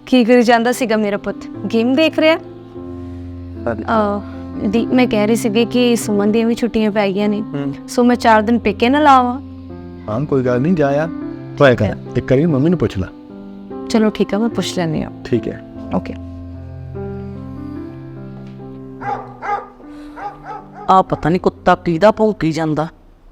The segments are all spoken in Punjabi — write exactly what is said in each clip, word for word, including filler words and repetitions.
ਕੀ ਕਰੀ ਜਾਂਦਾ ਸੀਗਾ ਮੇਰਾ ਪੁੱਤ? ਗੇਮ ਦੇਖ ਰਿਹਾ। ਦੀ ਮੈਂ ਕਹਿ ਰਹੀ ਸੀਗੀ ਕਿ ਸੁਮਨ ਦੀਆਂ ਵੀ ਛੁੱਟੀਆਂ ਪੈ ਗਈਆਂ ਨੇ, ਸੋ ਮੈਂ ਚਾਰ ਦਿਨ ਪੇਕੇ ਨਾ ਲਾਵਾਂ। ਹਾਂ ਕੋਈ ਗੱਲ ਨਹੀਂ, ਜਾ ਯਾਰ, ਟਰਾਈ ਕਰ ਇੱਕ ਵਾਰੀ, ਮੰਮੀ ਨੂੰ ਪੁੱਛ ਲੈ। ਚਲੋ ਠੀਕ ਹੈ, ਮੈਂ ਪੁੱਛ ਲੈਂਦੀ ਹਾਂ। ਠੀਕ ਹੈ, ਓਕੇ। ਆ ਪਤਾ ਨਹੀਂ ਕੁੱਤਾ ਕਿਹਦਾ ਭੌਂਕੀ ਜਾਂਦਾ।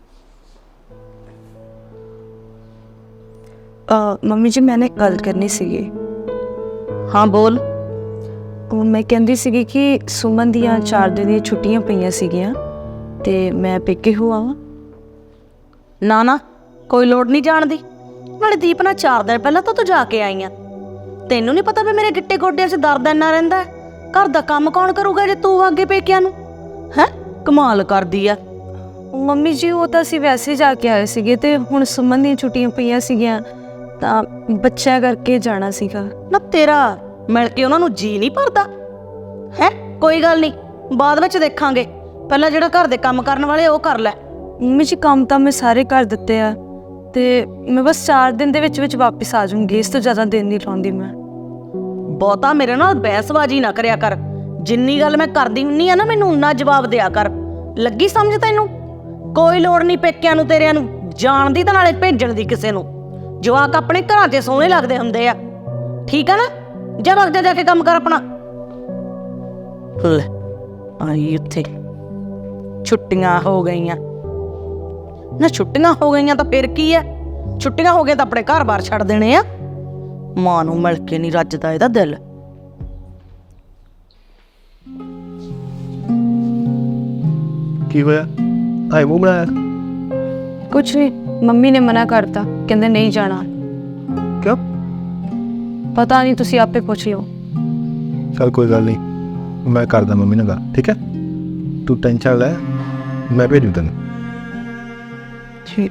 ਮੰਮੀ ਜੀ, ਮੈਂ ਨਾ ਇੱਕ ਗੱਲ ਕਰਨੀ ਸੀਗੀ। ਹਾਂ ਬੋਲ। ਉਹ ਮੈਂ ਕਹਿੰਦੀ ਸੀਗੀ ਕਿ ਸੁਮਨ ਦੀਆਂ ਚਾਰ ਦਿਨ ਦੀਆਂ ਛੁੱਟੀਆਂ ਪਈਆਂ ਸੀਗੀਆਂ ਤੇ ਮੈਂ ਪੇਕੇ ਹੋ ਆਵਾਂ। ਨਾ ਨਾ, ਕੋਈ ਲੋੜ ਨਹੀਂ ਜਾਣ ਦੀ। ਨਾਲੇ ਦੀਪ ਨਾਲ ਚਾਰ ਦਿਨ ਪਹਿਲਾਂ ਤਾਂ ਤੂੰ ਜਾ ਕੇ ਆਈ ਆ। ਤੈਨੂੰ ਨਹੀਂ ਪਤਾ ਵੀ ਮੇਰੇ ਗਿੱਟੇ ਗੋਡਿਆਂ 'ਚ ਦਰਦ ਇੰਨਾ ਰਹਿੰਦਾ ਹੈ? ਘਰ ਦਾ ਕੰਮ ਕੌਣ ਕਰੂਗਾ ਜੇ ਤੂੰ ਅੱਗੇ ਪੇਕਿਆਂ ਨੂੰ? ਹੈਂ, ਕਮਾਲ ਕਰਦੀ ਆ। ਮੰਮੀ ਜੀ, ਉਹ ਤਾਂ ਅਸੀਂ ਵੈਸੇ ਜਾ ਕੇ ਆਏ ਸੀਗੇ ਤੇ ਹੁਣ ਸੁਮਨ ਦੀਆਂ ਛੁੱਟੀਆਂ ਪਈਆਂ ਸੀਗੀਆਂ ਤਾਂ ਬੱਚਿਆਂ ਕਰਕੇ ਜਾਣਾ ਸੀਗਾ। ਨਾ ਤੇਰਾ ਮਿਲ ਕੇ ਉਹਨਾਂ ਨੂੰ ਜੀ ਨਹੀਂ ਭਰਦਾ ਹੈ? ਕੋਈ ਗੱਲ ਨਹੀਂ, ਬਾਅਦ ਵਿੱਚ ਦੇਖਾਂਗੇ। ਪਹਿਲਾਂ ਜਿਹੜਾ ਘਰ ਦੇ ਕੰਮ ਕਰਨ ਵਾਲੇ ਉਹ ਕਰ ਲੈ। ਮੰਮੀ ਜੀ, ਕੰਮ ਤਾਂ ਮੈਂ ਸਾਰੇ ਕਰ ਦਿੱਤੇ ਆ ਤੇ ਮੈਂ ਬਸ ਚਾਰ ਦਿਨ ਦੇ ਵਿੱਚ ਵਿੱਚ ਵਾਪਸ ਆ ਜਾਊਂਗੀ। ਇਸ ਤੋਂ ਜ਼ਿਆਦਾ ਦਿਨ ਨਹੀਂ ਲਾਉਂਦੀ ਮੈਂ। ਬਹੁਤਾ ਮੇਰੇ ਨਾਲ ਬਹਿਸਬਾਜ਼ੀ ਨਾ ਕਰਿਆ ਕਰ। ਜਿੰਨੀ ਗੱਲ ਮੈਂ ਕਰਦੀ ਹੁੰਨੀ ਆ ਨਾ, ਮੈਨੂੰ ਉਨਾ ਜਵਾਬ ਦਿਆ ਕਰ। ਲੱਗੀ ਸਮਝ ਤੈਨੂੰ? ਕੋਈ ਲੋੜ ਨਹੀਂ ਪੇਕਿਆਂ ਨੂੰ ਤੇਰਿਆਂ ਨੂੰ ਜਾਣ ਦੀ, ਤਾਂ ਨਾਲੇ ਭੇਜਣ ਦੀ ਕਿਸੇ ਨੂੰ। ਜਵਾਕ ਆਪਣੇ ਘਰਾਂ 'ਚ ਸੋਹਣੇ ਲੱਗਦੇ ਹੁੰਦੇ ਆ, ਠੀਕ ਆ ਨਾ? ਜਾ ਵਕਤ ਜਾ ਕੇ ਕੰਮ ਕਰ ਆਪਣਾ। ਲੈ ਆਈ ਉੱਥੇ ਛੁੱਟੀਆਂ ਹੋ ਗਈਆਂ ਨਾ। ਛੁੱਟੀਆਂ ਹੋ ਗਈਆਂ ਤਾਂ ਫਿਰ ਕੀ ਆ? ਛੁੱਟੀਆਂ ਹੋ ਗਈਆਂ ਤਾਂ ਆਪਣੇ ਘਰ-ਬਾਰ ਛੱਡ ਦੇਣੇ ਆ। ਮਾਂ ਨੂੰ ਮਿਲ ਕੇ ਨਹੀਂ ਰੱਜਦਾ ਇਹਦਾ ਦਿਲ। ਕੀ ਹੋਇਆ? ਆਏ ਮੂੰਹ ਬਣਾਇਆ? ਕੁਛ ਨਹੀਂ, ਮੰਮੀ ਨੇ ਮਨਾ ਕਰਤਾ, ਕਹਿੰਦੇ ਨਹੀਂ ਜਾਣਾ। ਕਿਉਂ? ਪਤਾ ਨਹੀਂ, ਤੁਸੀਂ ਆਪੇ ਪੁੱਛ ਲਿਓ। ਚੱਲ ਕੋਈ ਗੱਲ ਨਹੀਂ, ਮੈਂ ਕਰਦਾ ਮੰਮੀ ਨਾਲ ਗੱਲ, ਠੀਕ ਹੈ? ਤੂੰ ਟੈਨਸ਼ਨ ਲੈ, ਮੈਂ ਭੇਜੂ ਤੈਨੂੰ। ਠੀਕ।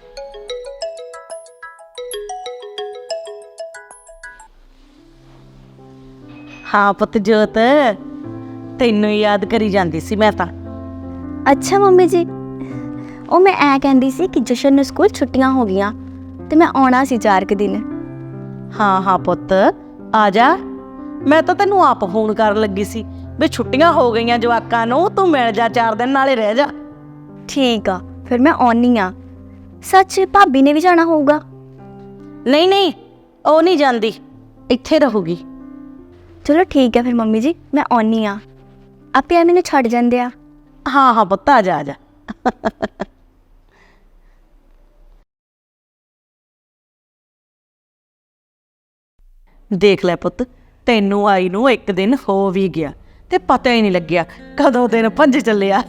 ਹਾਂ ਪੁੱਤ ਜੋਤ, ਤੈਨੂੰ ਯਾਦ ਕਰੀ ਜਾਂਦੀ ਸੀ ਮੈਂ ਤਾਂ। ਅੱਛਾ ਮੰਮੀ ਜੀ, ਉਹ ਮੈਂ ਐ ਕਹਿੰਦੀ ਸੀ ਕਿ ਜਸ਼ਨ ਨੂੰ ਸਕੂਲ ਛੁੱਟੀਆਂ ਹੋ ਗਈਆਂ ਤੇ ਮੈਂ ਆਉਣਾ ਸੀ ਚਾਰ ਕੁ ਦਿਨ। ਹਾਂ ਹਾਂ ਪੁੱਤ, ਆ ਜਾ। ਮੈਂ ਤਾਂ ਤੈਨੂੰ ਆਪ ਫੋਨ ਕਰਨ ਲੱਗੀ ਸੀ ਵੀ ਛੁੱਟੀਆਂ ਹੋ ਗਈਆਂ ਜਵਾਕਾਂ ਨੂੰ, ਤੂੰ ਮਿਲ ਜਾ ਚਾਰ ਦਿਨ, ਨਾਲੇ ਰਹਿ ਜਾ। ਠੀਕ ਆ, ਫਿਰ ਮੈਂ ਆਉਣੀ ਆ। ਸੱਚ, ਭਾਬੀ ਨੇ ਵੀ ਜਾਣਾ ਹੋਊਗਾ? ਨਹੀਂ ਨਹੀਂ, ਉਹ ਨਹੀਂ ਜਾਂਦੀ, ਇੱਥੇ ਰਹੂਗੀ। ਚਲੋ ਠੀਕ ਹੈ ਫਿਰ ਮੰਮੀ ਜੀ, ਮੈਂ ਆਉਣੀ ਆ। ਆਪੇ ਆ ਮੈਨੂੰ ਛੱਡ ਜਾਂਦੇ ਆ। ਹਾਂ ਹਾਂ ਪੁੱਤ, ਆ ਜਾ ਆ ਜਾ। ਦੇਖ ਲੈ ਪੁੱਤ, ਤੈਨੂੰ ਆਈ ਨੂੰ ਇੱਕ ਦਿਨ ਹੋ ਵੀ ਗਿਆ ਤੇ ਪਤਾ ਹੀ ਨਹੀਂ ਲੱਗਿਆ ਕਦੋਂ ਦਿਨ ਭੱਜ ਚੱਲਿਆ।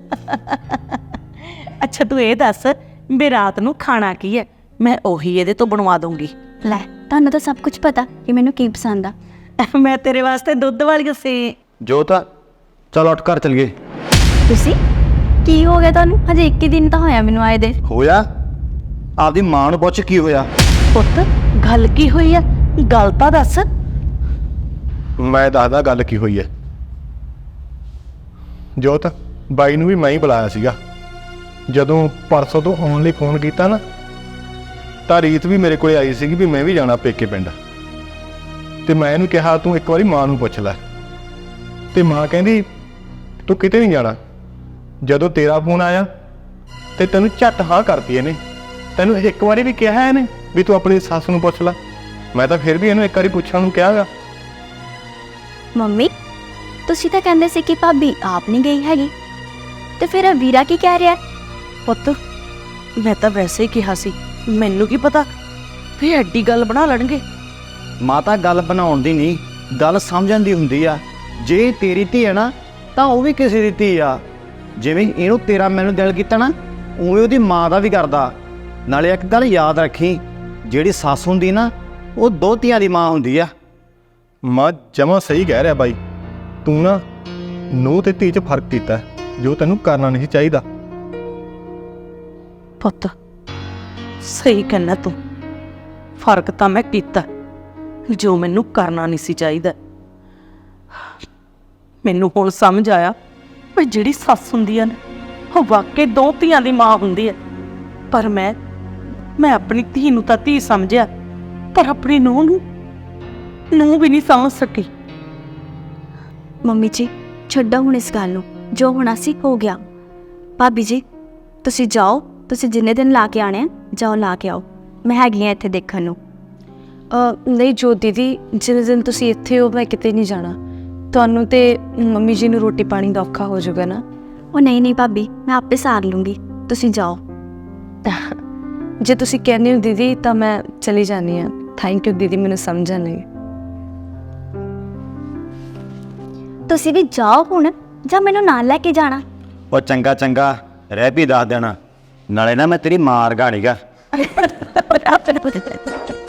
ਅੱਛਾ ਤੂੰ ਇਹ ਦੱਸ ਵੀ ਰਾਤ ਨੂੰ ਖਾਣਾ ਕੀ ਹੈ? ਮੈਂ ਉਹੀ ਇਹਦੇ ਤੋਂ ਬਣਵਾ ਦੂੰਗੀ। ਲੈ, ਤੁਹਾਨੂੰ ਤਾਂ ਸਭ ਕੁਝ ਪਤਾ ਕਿ ਮੈਨੂੰ ਕੀ ਪਸੰਦ ਆ। ਮੈਂ ਤੇਰੇ ਵਾਸਤੇ ਦੁੱਧ ਵਾਲੀ ਸੀ। ਜੋਤ, ਚਲ ਉੱਠ ਘਰ ਚਲੀਏ। ਤੁਸੀਂ ਕੀ ਹੋ ਗਿਆ ਤੁਹਾਨੂੰ? ਹਜੇ ਇੱਕ ਹੀ ਦਿਨ ਤਾਂ ਹੋਇਆ ਮੈਨੂੰ ਆਏ ਦੇ। ਹੋਇਆ? ਆਪਦੀ ਮਾਂ ਨੂੰ ਪੁੱਛ ਕੀ ਹੋਇਆ। ਪੁੱਤ ਗੱਲ ਕੀ ਹੋਈ ਆ? ਗੱਲ ਤਾਂ ਦੱਸ। ਮੈਂ ਦੱਸਦਾ ਗੱਲ ਕੀ ਹੋਈ ਹੈ। ਜੋਤ, ਬਾਈ ਨੂੰ ਵੀ ਮੈਂ ਹੀ ਬੁਲਾਇਆ ਸੀਗਾ। ਜਦੋਂ ਪਰਸੋਂ ਤੋਂ ਆਉਣ ਲਈ ਫੋਨ ਕੀਤਾ ਨਾ, ਤਾਂ ਰੀਤ ਵੀ ਮੇਰੇ ਕੋਲੇ ਆਈ ਸੀਗੀ ਵੀ ਮੈਂ ਵੀ ਜਾਣਾ ਪੇਕੇ ਪਿੰਡ। ਤੇ ਮੈਂ ਇਹਨੂੰ ਕਿਹਾ ਤੂੰ ਇੱਕ ਵਾਰੀ ਮਾਂ ਨੂੰ ਪੁੱਛ ਲੈ, ਤੇ ਮਾਂ ਕਹਿੰਦੀ ਤੂੰ ਕਿਤੇ ਨਹੀਂ ਜਾਣਾ। ਜਦੋਂ ਤੇਰਾ ਫੋਨ ਆਇਆ ਤੇ ਤੈਨੂੰ ਝੱਟ ਹਾਂ ਕਰਤੀ ਇਹਨੇ। ਤੈਨੂੰ ਇੱਕ ਵਾਰੀ ਵੀ ਕਿਹਾ ਇਹਨੇ ਵੀ ਤੂੰ ਆਪਣੀ ਸੱਸ ਨੂੰ ਪੁੱਛ ਲੈ? ਮੈਂ ਤਾਂ ਫਿਰ ਵੀ ਇਹਨੂੰ ਇੱਕ ਵਾਰੀ ਪੁੱਛਣ ਨੂੰ ਕਿਹਾਗਾ। ਮੰਮੀ, ਤੁਸੀਂ ਤਾਂ ਕਹਿੰਦੇ ਸੀ ਕਿ ਭਾਬੀ ਆਪ ਨਹੀਂ ਗਈ ਹੈਗੀ, ਤੇ ਫਿਰ ਵੀਰਾ ਕੀ ਕਹਿ ਰਿਹਾ? ਪੁੱਤ ਮੈਂ ਤਾਂ ਵੈਸੇ ਹੀ ਕਿਹਾ ਸੀ, ਮੈਨੂੰ ਕੀ ਪਤਾ ਵੀ ਐਡੀ ਗੱਲ ਬਣਾ ਲੈਣਗੇ। ਮਾਤਾ ਗੱਲ ਬਣਾਉਣ ਦੀ ਨਹੀਂ, ਗੱਲ ਸਮਝਣ ਦੀ ਹੁੰਦੀ ਆ। ਜੇ ਤੇਰੀ ਧੀ ਹੈ ਨਾ, ਤਾਂ ਉਹ ਵੀ ਕਿਸੇ ਦੀ ਧੀ ਆ। ਜਿਵੇਂ ਇਹਨੂੰ ਤੇਰਾ ਮੈਨੂੰ ਦਿਲ ਕੀਤਾ ਨਾ, ਉਵੇਂ ਉਹਦੀ ਮਾਂ ਦਾ ਵੀ ਕਰਦਾ। ਨਾਲੇ ਇੱਕ ਗੱਲ ਯਾਦ ਰੱਖੀ, ਜਿਹੜੀ ਸੱਸ ਹੁੰਦੀ ਨਾ, ਉਹ ਦੋ ਧੀਆਂ ਦੀ ਮਾਂ ਹੁੰਦੀ ਆ। ਮਾਂ ਜਮਾਂ ਸਹੀ ਕਹਿ ਰਿਹਾ ਬਾਈ। ਤੂੰ ਨਾ ਨੂੰਹ ਤੇ ਧੀ 'ਚ ਫਰਕ ਕੀਤਾ ਜੋ ਤੈਨੂੰ ਕਰਨਾ ਨਹੀਂ ਚਾਹੀਦਾ। ਪੁੱਤ ਸਹੀ ਕਹਿਣਾ ਤੂੰ, ਫਰਕ ਤਾਂ ਮੈਂ ਕੀਤਾ ਜੋ ਮੈਨੂੰ ਕਰਨਾ ਨਹੀਂ ਸੀ ਚਾਹੀਦਾ। ਮੈਨੂੰ ਹੁਣ ਸਮਝ ਆਇਆ ਵੀ ਜਿਹੜੀ ਸੱਸ ਹੁੰਦੀ ਆ ਨਾ, ਉਹ ਵਾਕਈ ਦੋ ਧੀਆਂ ਦੀ ਮਾਂ ਹੁੰਦੀ ਹੈ। ਪਰ ਮੈਂ ਮੈਂ ਆਪਣੀ ਧੀ ਨੂੰ ਤਾਂ ਧੀ ਸਮਝਿਆ, ਪਰ ਆਪਣੀ ਨੂੰਹ ਨੂੰ ਨੂੰ ਵੀ ਨਹੀਂ ਸਮਝ ਸਕੀ। ਮੰਮੀ ਜੀ ਛੱਡੋ ਹੁਣ ਇਸ ਗੱਲ ਨੂੰ, ਜੋ ਹੋਣਾ ਸੀ ਹੋ ਗਿਆ। ਭਾਬੀ ਜੀ ਤੁਸੀਂ ਜਾਓ, ਤੁਸੀਂ ਜਿੰਨੇ ਦਿਨ ਲਾ ਕੇ ਆਣੇ ਆ ਜਾਓ ਲਾ ਕੇ ਆਓ, ਮੈਂ ਹੈਗੀ ਆ ਇੱਥੇ ਦੇਖਣ ਨੂੰ। ਅ, ਨਹੀਂ ਜੋਤ ਦੀਦੀ, ਜਿੰਨੇ ਦਿਨ ਤੁਸੀਂ ਇੱਥੇ ਹੋ ਮੈਂ ਕਿਤੇ ਨਹੀਂ ਜਾਣਾ। ਤੁਹਾਨੂੰ ਤੇ ਮੰਮੀ ਜੀ ਨੂੰ ਰੋਟੀ ਪਾਣੀ ਦਾ ਔਖਾ ਹੋ ਜਾਊਗਾ ਨਾ। ਉਹ ਨਹੀਂ ਨਹੀਂ ਭਾਬੀ, ਮੈਂ ਆਪੇ ਸਾਰ ਲੂੰਗੀ, ਤੁਸੀਂ ਜਾਓ। ਜੇ ਤੁਸੀਂ ਕਹਿੰਦੇ ਹੋ ਦੀਦੀ ਤਾਂ ਮੈਂ ਚਲੀ ਜਾਂਦੀ ਹਾਂ। ਥੈਂਕ ਯੂ ਦੀਦੀ ਮੈਨੂੰ ਸਮਝਣ ਲਈ। ਤੁਸੀਂ ਵੀ ਜਾਓ ਹੁਣ, ਜਾਂ ਮੈਨੂੰ ਨਾਲ ਲੈ ਕੇ ਜਾਣਾ? ਉਹ ਚੰਗਾ ਚੰਗਾ ਰਹਿ ਵੀ ਦੱਸ ਦੇਣਾ, ਨਾਲੇ ਨਾ ਮੈਂ ਤੇਰੀ ਮਾਰ ਗਾਣੀਗਾ।